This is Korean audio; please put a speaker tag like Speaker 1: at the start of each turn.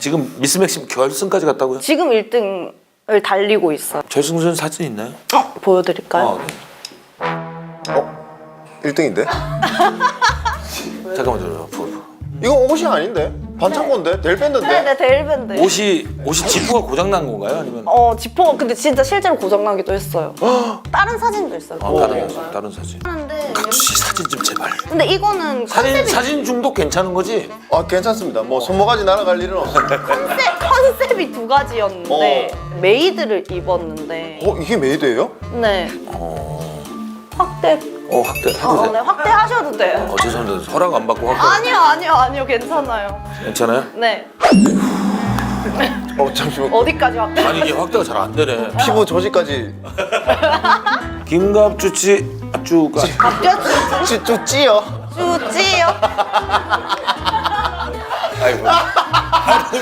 Speaker 1: 지금 미스 맥심 결승까지 갔다고요?
Speaker 2: 지금 1등을 달리고 있어요.
Speaker 1: 결승전 사진 있나요?
Speaker 2: 보여드릴까요?
Speaker 1: 네.
Speaker 3: 1등인데?
Speaker 1: 잠깐만요.
Speaker 3: 이거 옷이 아닌데? 반창고인데? 델 밴드인데?
Speaker 2: 네네, 데일밴드.
Speaker 1: 옷이 지퍼가 고장 난 건가요? 아니면
Speaker 2: 지퍼가 근데 진짜 실제로 고장나기도 했어요. 다른 사진도 있어요.
Speaker 1: 다른 사진?
Speaker 2: 하는데
Speaker 1: 각주씨 사진 좀 제발.
Speaker 2: 근데 이거는 컨셉이
Speaker 1: 사진 중독 괜찮은 거지?
Speaker 3: 아 괜찮습니다. 뭐 손모가지 날아갈 일은 없어요.
Speaker 2: 컨셉이 두 가지였는데 메이드를 입었는데
Speaker 3: 이게 메이드예요?
Speaker 2: 네 확대
Speaker 1: 확대 해도 돼?
Speaker 2: 네, 확대하셔도 돼요.
Speaker 1: 죄송합니다. 허락 안 받고 확대.
Speaker 2: 아니요 괜찮아요.
Speaker 1: 괜찮아요?
Speaker 2: 네
Speaker 3: 잠시만.
Speaker 2: 어디까지 확대?
Speaker 1: 아니 이게 확대가 잘 안 되네.
Speaker 3: 피부 조직까지
Speaker 1: 김갑주치 쭈가
Speaker 3: 쭈찌요.
Speaker 2: 쭈찌요.
Speaker 1: 아이고.